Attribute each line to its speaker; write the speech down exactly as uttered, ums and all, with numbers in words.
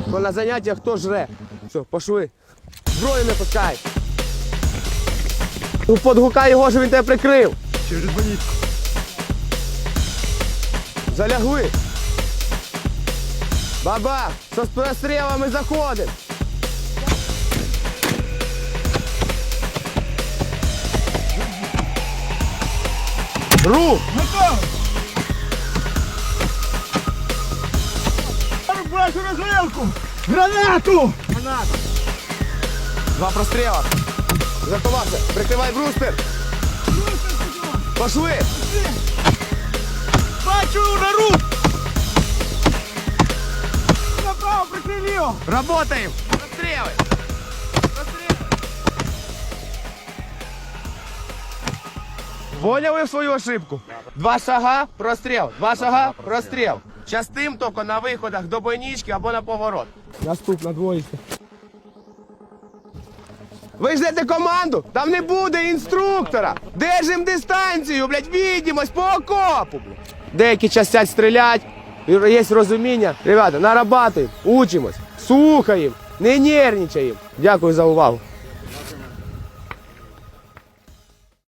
Speaker 1: Бо на заняттях хто жре. Все, пошли. Зброю не пускай. Ну, подгукай його, щоб він тебе прикрив.
Speaker 2: Через bonitку.
Speaker 1: Залягли. Баба, со прострілами заходимо. Рух!
Speaker 2: Готово! Бачу розвилку! Гранату! Гранату!
Speaker 1: Два простріла. Заховався. Прикривай брустер. Пошли.
Speaker 2: Бачу нору! Направо прикрив його!
Speaker 1: Работаем. Простріли. Простріли. Поняли свою ошибку? Два шага, простріл. Два шага, простріл. Частим тільки на виходах до бойнички або на поворот. Наступна двоїця. Ви ждете команду? Там не буде інструктора. Держим дистанцію, блядь, відімось по окопу, блядь. Деякі частять стрілять, є розуміння. Ребята, нарабатуємо, учимось, слухаємо, не нервничаємо. Дякую за увагу.